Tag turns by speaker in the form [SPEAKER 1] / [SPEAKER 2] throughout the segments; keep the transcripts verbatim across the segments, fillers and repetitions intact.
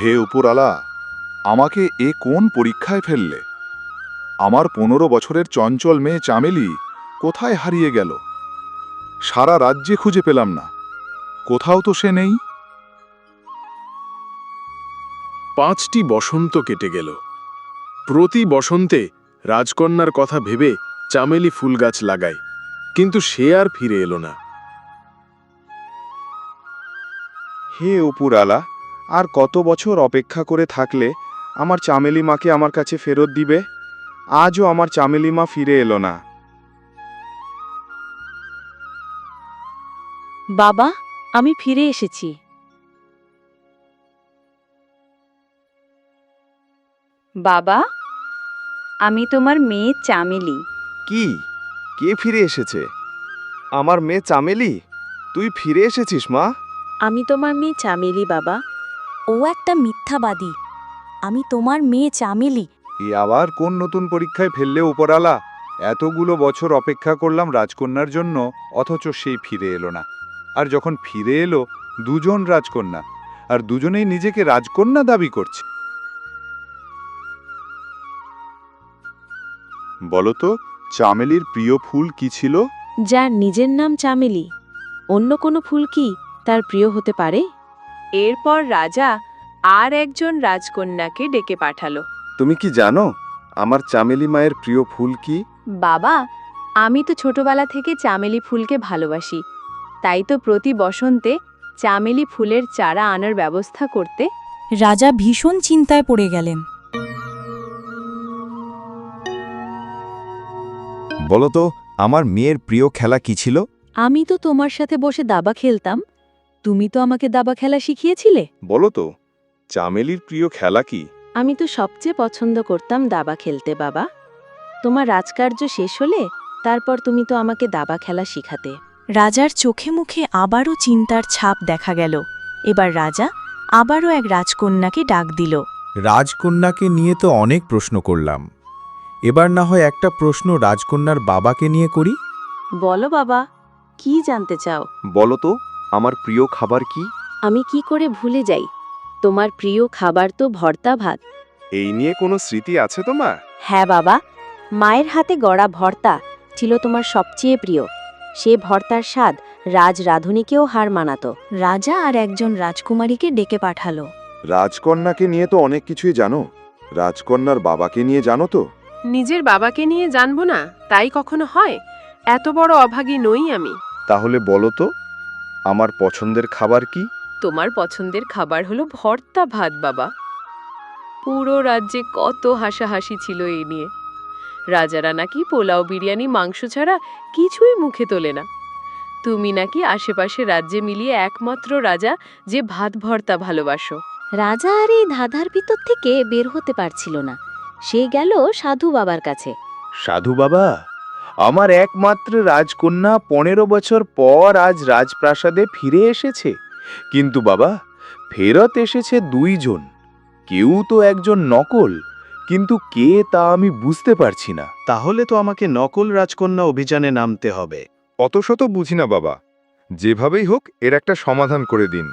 [SPEAKER 1] হে উপরালা, আমাকে এ কোন পরীক্ষায় ফেললে? আমার পনেরো বছরের চঞ্চল মেয়ে চামেলি কোথায় হারিয়ে গেল? সারা রাজ্যে খুঁজে পেলাম না, কোথাও তো সে নেই।
[SPEAKER 2] পাঁচটি বসন্ত কেটে গেল। প্রতি বসন্তে রাজকন্যার কথা ভেবে চামেলি ফুল গাছ লাগায়, কিন্তু সে আর ফিরে এলো না।
[SPEAKER 3] হে উপরালা, আর কত বছর অপেক্ষা করে থাকলে আমার চামেলি মাকে আমার কাছে ফেরত দিবে? আজও আমার চামেলি মা ফিরে এলো না।
[SPEAKER 4] বাবা, আমি ফিরে এসেছি।
[SPEAKER 5] বাবা, আমি তোমার মেয়ে চামেলি।
[SPEAKER 3] কি? কে ফিরে এসেছে? আমার মেয়ে চামেলি? তুই ফিরে এসেছিস মা?
[SPEAKER 4] আমি তোমার মেয়ে চামেলি বাবা।
[SPEAKER 6] ও একটা মিথ্যাবাদী। আমি তোমার মেয়ে চামেলি।
[SPEAKER 1] এ আবার কোন নতুন পরীক্ষায় ফেললে উপরালা? এতগুলো বছর অপেক্ষা করলাম রাজকন্যার জন্য, অথচ সেই ফিরে এলো না। আর যখন ফিরে এলো, দুজন রাজকন্যা, আর দুজনেই নিজেকে রাজকন্যা দাবি করছে। বলতো, চামেলির প্রিয় ফুল কি ছিল?
[SPEAKER 4] যার নিজের নাম চামেলি, অন্য কোনো ফুল কি তার প্রিয় হতে পারে?
[SPEAKER 5] এরপর রাজা আর একজন রাজকন্যাকে ডেকে পাঠালো।
[SPEAKER 3] তুমি কি জানো আমার চামেলি মায়ের প্রিয় ফুল কি?
[SPEAKER 5] বাবা, আমি তো ছোটবেলা থেকে চামেলি ফুলকে ভালোবাসি, তাই তো প্রতি বসন্তে চামেলি ফুলের চারা আনার ব্যবস্থা করতে।
[SPEAKER 6] রাজা ভীষণ চিন্তায় পড়ে গেলেন।
[SPEAKER 3] বলতো, আমার মেয়ের প্রিয় খেলা কি ছিল?
[SPEAKER 4] আমি তো তোমার সাথে বসে দাবা খেলতাম। তুমি তো আমাকে দাবা খেলা শিখিয়েছিলে।
[SPEAKER 3] বলতো, চামেলির প্রিয় খেলা কি?
[SPEAKER 4] আমি তো সবচেয়ে পছন্দ করতাম দাবা খেলতে বাবা। তোমার রাজকার্য শেষ হলে তারপর তুমি তো আমাকে দাবা খেলা শিখাতে।
[SPEAKER 6] রাজার চোখে মুখে আবারও চিন্তার ছাপ দেখা গেল। এবার রাজা আবারও এক রাজকন্যাকে ডাক দিল।
[SPEAKER 7] রাজকন্যাকে নিয়ে তো অনেক প্রশ্ন করলাম, এবার না হয় একটা প্রশ্ন রাজকন্যার বাবাকে নিয়ে করি।
[SPEAKER 4] বলো বাবা, কি জানতে চাও?
[SPEAKER 3] বলতো, আমার প্রিয় খাবার কি?
[SPEAKER 4] আমি কি করে ভুলে যাই? তোমার প্রিয় খাবার তো ভর্তা ভাত।
[SPEAKER 3] এই নিয়ে কোনো স্মৃতি আছে তোমার?
[SPEAKER 4] হ্যাঁ বাবা, মায়ের হাতে গড়া ভর্তা ছিল তোমার সবচেয়ে প্রিয়। সে ভর্তার স্বাদ রাজ রাধুনীকেও হার মানাতো। রাজা আর একজন রাজকুমারীকে ডেকে পাঠালো।
[SPEAKER 1] রাজকন্যাকে নিয়ে তো অনেক কিছুই জানো, রাজকন্যার বাবাকে নিয়ে জানো তো?
[SPEAKER 8] নিজের বাবাকে নিয়ে জানবো না, তাই কখনো হয়? এত বড় অভাগী নই আমি।
[SPEAKER 3] তাহলে বলতো, আমার পছন্দের খাবার কি?
[SPEAKER 8] তোমার পছন্দের খাবার হলো ভর্তা ভাত বাবা। পুরো রাজ্যে কত হাসাহাসি ছিল এই নিয়ে। রাজারা নাকি পোলাও বিরিয়ানি মাংস ছাড়া কিছুই মুখে তোলে না। তুমি নাকি আশেপাশে রাজ্যে মিলিয়ে একমাত্র রাজা যে ভাত ভর্তা ভালোবাসো।
[SPEAKER 4] রাজা আর এই ধাঁধার ভিতর থেকে বের হতে পারছিল না। সে গেল সাধু বাবার কাছে।
[SPEAKER 3] সাধু বাবা, আমার একমাত্র রাজকন্যা পনেরো বছর পর আজ রাজপ্রাসাদে ফিরে এসেছে। কিন্তু বাবা, ফেরত এসেছে দুইজন। কেউ তো একজন নকল, কিন্তু কে তা আমি বুঝতে পারছি না।
[SPEAKER 2] তাহলে তো আমাকে নকল রাজকন্যা অভিযানে নামতে হবে।
[SPEAKER 1] অত শত বুঝি না বাবা, যেভাবেই হোক এর একটা সমাধান করে দিন।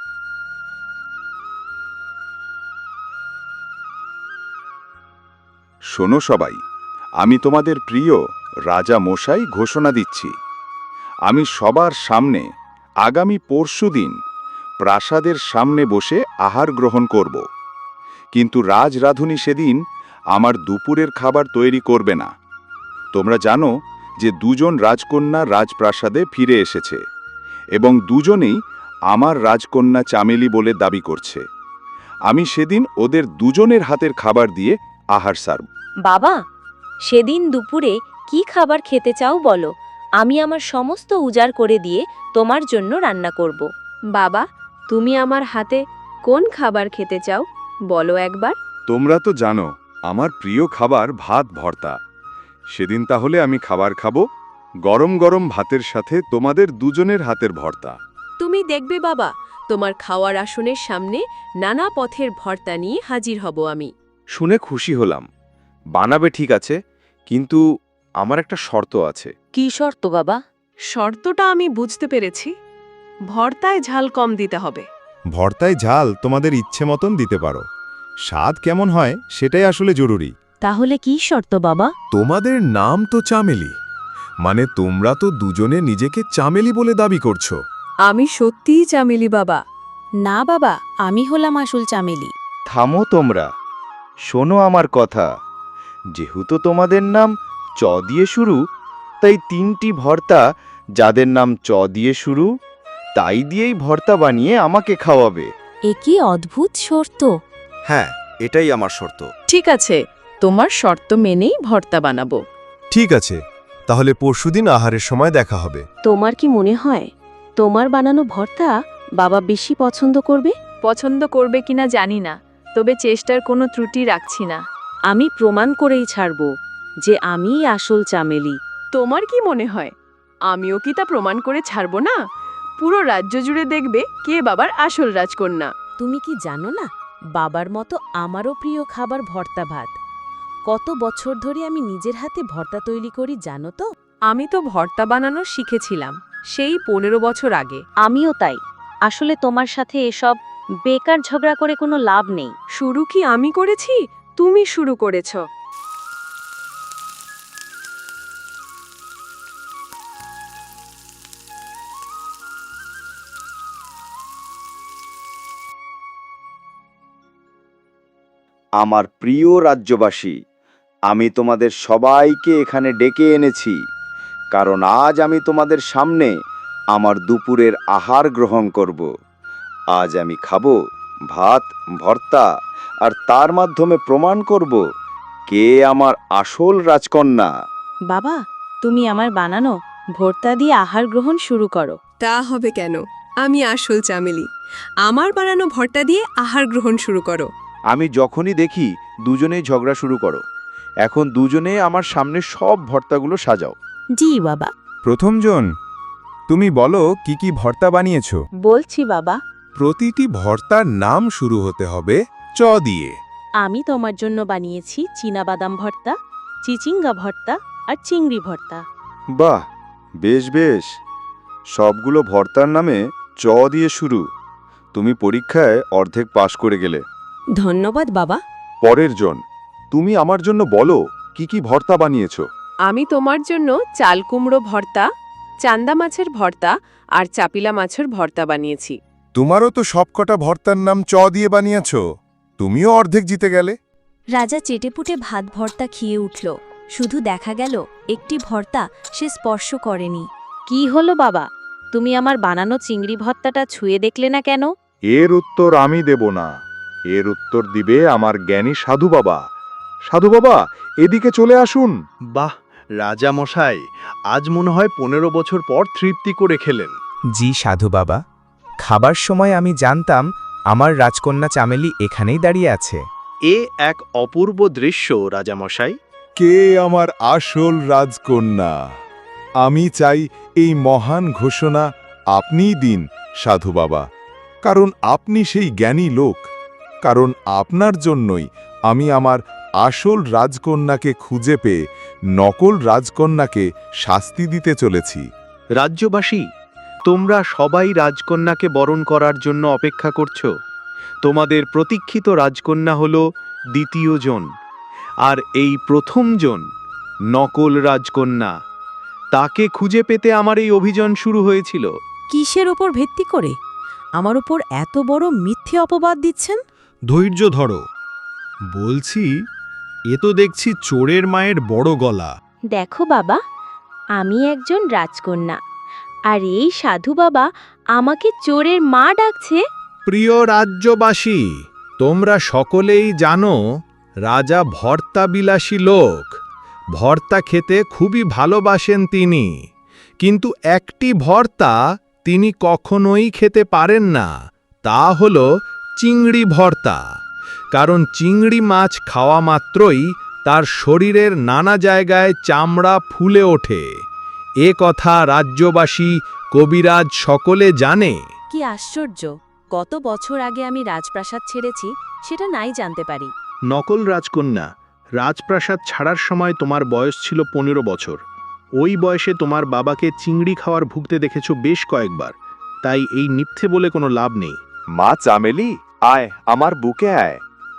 [SPEAKER 1] শোনো সবাই, আমি তোমাদের প্রিয় রাজা মশাই ঘোষণা দিচ্ছি, আমি সবার সামনে আগামী পরশুদিন প্রাসাদের সামনে বসে আহার গ্রহণ করব। কিন্তু রাজ রাধুনী সেদিন আমার দুপুরের খাবার তৈরি করবে না। তোমরা জানো যে দুজন রাজকন্যা রাজপ্রাসাদে ফিরে এসেছে এবং দুজনেই আমার রাজকন্যা চামেলি বলে দাবি করছে। আমি সেদিন ওদের দুজনের হাতের খাবার দিয়ে আহার সারব।
[SPEAKER 4] বাবা, সেদিন দুপুরে কি খাবার খেতে চাও বলো, আমি আমার সমস্ত উজাড় করে দিয়ে তোমার জন্য রান্না করব।
[SPEAKER 5] বাবা, তুমি আমার হাতে কোন খাবার খেতে চাও বলো একবার।
[SPEAKER 1] তোমরা তো জানো আমার প্রিয় খাবার ভাত ভর্তা। সেদিন তাহলে আমি খাবার খাবো গরম গরম ভাতের সাথে তোমাদের দুজনের হাতের ভর্তা।
[SPEAKER 8] তুমি দেখবে বাবা, তোমার খাওয়ার আসনের সামনে নানা পথের ভর্তা নিয়ে হাজির হব আমি।
[SPEAKER 3] শুনে খুশি হলাম। বানাবে ঠিক আছে, কিন্তু আমার একটা শর্ত আছে।
[SPEAKER 4] কি শর্ত বাবা?
[SPEAKER 8] শর্তটা আমি বুঝতে পেরেছি। ভর্তায় ঝাল কম দিতে হবে।
[SPEAKER 9] ভর্তায় ঝাল তোমাদের ইচ্ছে মতন দিতে পারো, স্বাদ কেমন হয় সেটাই আসলে জরুরি।
[SPEAKER 6] তাহলে কি শর্ত বাবা?
[SPEAKER 2] তোমাদের নাম তো চামেলি, মানে তোমরা তো দুজনে নিজেকে চামেলি বলে দাবি করছো।
[SPEAKER 8] আমি সত্যিই চামেলি বাবা।
[SPEAKER 6] না বাবা, আমি হলাম আসল চামেলি।
[SPEAKER 3] থামো তোমরা, শোনো আমার কথা। যেহেতু তোমাদের নাম চ দিয়ে শুরু, তাই তিনটি ভর্তা যাদের নাম চ দিয়ে শুরু, তাই দিয়েই ভর্তা বানিয়ে আমাকে খাওয়াবে।
[SPEAKER 6] এ কি অদ্ভুত শর্ত!
[SPEAKER 9] হ্যাঁ, এটাই আমার শর্ত।
[SPEAKER 8] ঠিক আছে, তোমার শর্ত মেনেই ভর্তা বানাবো।
[SPEAKER 9] ঠিক আছে, তাহলে পরশুদিন আহারের সময় দেখা হবে।
[SPEAKER 4] তোমার কি মনে হয় তোমার বানানো ভর্তা বাবা বেশি পছন্দ করবে?
[SPEAKER 5] পছন্দ করবে কিনা জানি না, তবে চেষ্টার কোনো ত্রুটি রাখছি না।
[SPEAKER 4] আমি প্রমাণ করেই ছাড়ব যে আমিই আসল চামেলি।
[SPEAKER 8] তোমার কি মনে হয় আমিও কি তা প্রমাণ করে ছাড়ব না? পুরো রাজ্য জুড়ে দেখবে কে বাবার আসল রাজকন্যা।
[SPEAKER 4] তুমি কি জানো না, বাবার মতো আমারও প্রিয় খাবার ভর্তা ভাত। কত বছর ধরে আমি নিজের হাতে ভর্তা তৈরি করি জানো তো?
[SPEAKER 8] আমি তো ভর্তা বানানো শিখেছিলাম সেই পনেরো বছর আগে।
[SPEAKER 4] আমিও তাই। আসলে তোমার সাথে এসব বেকার ঝগড়া করে কোনো লাভ নেই।
[SPEAKER 8] শুরু কি আমি করেছি? তুমি শুরু করেছ।
[SPEAKER 3] আমার প্রিয় রাজ্যবাসী, আমি তোমাদের সবাইকে এখানে ডেকে এনেছি, কারণ আজ আমি তোমাদের সামনে আমার দুপুরের আহার গ্রহণ করব। আজ আমি খাবো ভাত ভর্তা, আর তার মাধ্যমে প্রমাণ করব কে আমার আসল রাজকন্যা।
[SPEAKER 4] বাবা, তুমি আমার বানানো ভর্তা দিয়ে আহার গ্রহণ শুরু করো।
[SPEAKER 10] তা হবে কেন? আমি আসল চামেলি। আমার বানানো ভর্তা দিয়ে আহার গ্রহণ শুরু করো।
[SPEAKER 3] আমি যখনই দেখি দুজনেই ঝগড়া শুরু করো। এখন দুজনে আমার সামনে সব ভর্তাগুলো সাজাও।
[SPEAKER 6] জি বাবা।
[SPEAKER 7] প্রথমজন, তুমি বলো কি কি ভর্তা বানিয়েছো?
[SPEAKER 4] বলছি বাবা।
[SPEAKER 9] প্রতিটি ভর্তার নাম শুরু হতে হবে চ দিয়ে।
[SPEAKER 4] আমি তোমার জন্য বানিয়েছি চীনাবাদাম ভর্তা, চিচিঙ্গা ভর্তা আর চিংড়ি ভর্তা।
[SPEAKER 1] বাহ, বেশ বেশ। সবগুলো ভর্তার নামে চ দিয়ে শুরু। তুমি পরীক্ষায় অর্ধেক পাশ করে গেলে।
[SPEAKER 10] ধন্যবাদ বাবা।
[SPEAKER 1] পরের জন, তুমি আমার জন্য বলো কি কি ভর্তা বানিয়েছো?
[SPEAKER 8] আমি তোমার জন্য চাল কুমড়ো ভর্তা, চান্দা মাছের ভর্তা আর চাপিলা মাছের ভর্তা বানিয়েছি।
[SPEAKER 9] তোমারও তো সবকটা ভর্তার নাম চ দিয়ে বানিয়েছো, তুমিও অর্ধেক জিতে গেলে।
[SPEAKER 6] রাজা চেটেপুটে ভাত ভর্তা খেয়ে উঠল। শুধু দেখা গেল একটি ভর্তা সে স্পর্শ করেনি।
[SPEAKER 4] কি হলো বাবা, তুমি আমার বানানো চিংড়ি ভর্তাটা ছুঁয়ে দেখলে না কেন?
[SPEAKER 1] এর উত্তর আমি দেব না, এর উত্তর দিবে আমার জ্ঞানী সাধু বাবা। সাধু বাবা, এদিকে চলে আসুন।
[SPEAKER 11] বাহ রাজা মশাই, আজ মনে হয় পনেরো বছর পর তৃপ্তি করে খেলেন।
[SPEAKER 7] জি সাধু বাবা, খাবার সময় আমি জানতাম আমার রাজকন্যা চামেলি এখানেই দাঁড়িয়ে আছে।
[SPEAKER 11] এ এক অপূর্ব দৃশ্য রাজা মশাই।
[SPEAKER 9] কে আমার আসল রাজকন্যা? আমি চাই এই মহান ঘোষণা আপনিই দিন সাধু বাবা, কারণ আপনি সেই জ্ঞানী লোক। কারণ আপনার জন্যই আমি আমার আসল রাজকন্যাকে খুঁজে পেয়ে নকল রাজকন্যাকে শাস্তি দিতে চলেছি।
[SPEAKER 11] রাজ্যবাসী, তোমরা সবাই রাজকন্যাকে বরণ করার জন্য অপেক্ষা করছো। তোমাদের প্রতীক্ষিত রাজকন্যা হল দ্বিতীয় জন, আর এই প্রথম জন নকল রাজকন্যা। তাকে খুঁজে পেতে আমার এই অভিযান শুরু হয়েছিল।
[SPEAKER 6] কিসের ওপর ভিত্তি করে আমার উপর এত বড় মিথ্যে অপবাদ দিচ্ছেন?
[SPEAKER 11] ধৈর্য ধরো, বলছি। এ তো দেখছি চোরের মায়ের বড় গলা।
[SPEAKER 4] দেখো বাবা, আমি একজন রাজকন্যা, আর এই সাধু বাবা আমাকে চোরের মা ডাকছে।
[SPEAKER 11] প্রিয় রাজ্যবাসী, তোমরা সকলেই জানো রাজা ভর্তা বিলাসী লোক। ভর্তা খেতে খুবই ভালোবাসেন তিনি, কিন্তু একটি ভর্তা তিনি কখনোই খেতে পারেন না, তা হল চিংড়ি ভর্তা। কারণ চিংড়ি মাছ খাওয়া মাত্রই তার শরীরের নানা জায়গায় চামড়া ফুলে ওঠে। এ কথা রাজ্যবাসী, কবিরাজ সকলে জানে।
[SPEAKER 4] কি আশ্চর্য, কত বছর আগে আমি রাজপ্রাসাদ ছেড়েছি সেটা নাই জানতে পারি।
[SPEAKER 11] নকল রাজকন্যা, রাজপ্রাসাদ ছাড়ার সময় তোমার বয়স ছিল পনেরো বছর। ওই বয়সে তোমার বাবাকে চিংড়ি খাওয়ার ভুগতে দেখেছ বেশ কয়েকবার, তাই এই মিথ্যে বলে কোনো লাভ নেই।
[SPEAKER 3] মা চামেলি, আয় আমার বুকে আয়।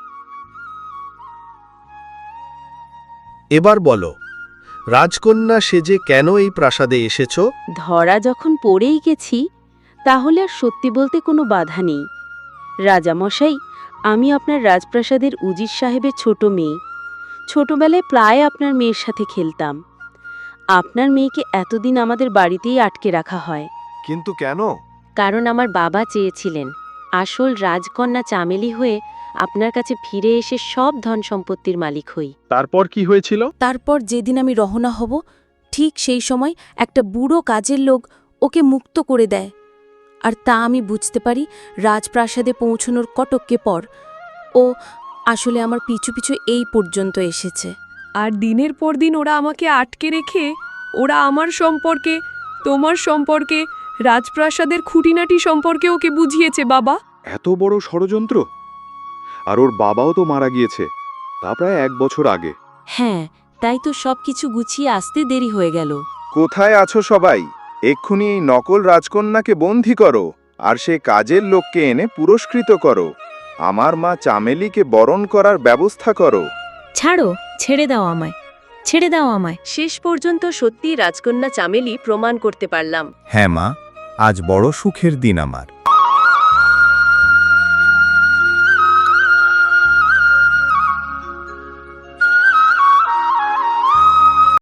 [SPEAKER 12] এবার বলো, রাজকন্যা সেজে কেন এই প্রাসাদে এসেছ?
[SPEAKER 4] ধরা যখন পড়েই গেছি তাহলে আর সত্যি বলতে কোনো বাধা নেই। রাজামশাই, আমি আপনার রাজপ্রাসাদের উজির সাহেবের ছোট মেয়ে। ছোটবেলায় প্রায় আপনার মেয়ের সাথে খেলতাম। আপনার মেয়েকে এতদিন আমাদের বাড়িতেই আটকে রাখা হয়।
[SPEAKER 3] কিন্তু কেন?
[SPEAKER 4] কারণ আমার বাবা চেয়েছিলেন আসল রাজকন্যা চামেলি হয়ে আপনার কাছে ফিরে এসে সব ধন সম্পত্তির মালিক হই।
[SPEAKER 2] তারপর কি হয়েছিল?
[SPEAKER 6] তারপর যেদিন আমি রওনা হব ঠিক সেই সময় একটা বুড়ো কাজের লোক ওকে মুক্ত করে দেয়। আর তা আমি বুঝতে পারি রাজপ্রাসাদে পৌঁছনোর কটককে পর। ও আসলে আমার পিছু পিছু এই পর্যন্ত এসেছে।
[SPEAKER 10] আর দিনের পর দিন ওরা আমাকে আটকে রেখে ওরা আমার সম্পর্কে, তোমার সম্পর্কে, রাজপ্রাসাদের খুঁটিনাটি সম্পর্কে ওকে বুঝিয়েছে বাবা।
[SPEAKER 1] এত বড় ষড়যন্ত্র! আর ওর বাবাও তো মারা গিয়েছে, তা প্রায় এক বছর আগে।
[SPEAKER 6] হ্যাঁ, তাই তো সব কিছু গুছিয়ে আসতে দেরি হয়ে গেল।
[SPEAKER 3] কোথায় আছো সবাই? এক্ষুনি এই নকল রাজকন্যাকে বন্দী করো আর সে কাজের লোককে এনে পুরস্কৃত করো। আমার মা চামেলিকে বরণ করার ব্যবস্থা করো।
[SPEAKER 6] ছাড়ো, ছেড়ে দাও আমায়, ছেড়ে দাও আমায়।
[SPEAKER 8] শেষ পর্যন্ত সত্যি রাজকন্যা চামেলি প্রমাণ করতে পারলাম।
[SPEAKER 7] হ্যাঁ মা, আজ বড় সুখের দিন আমার।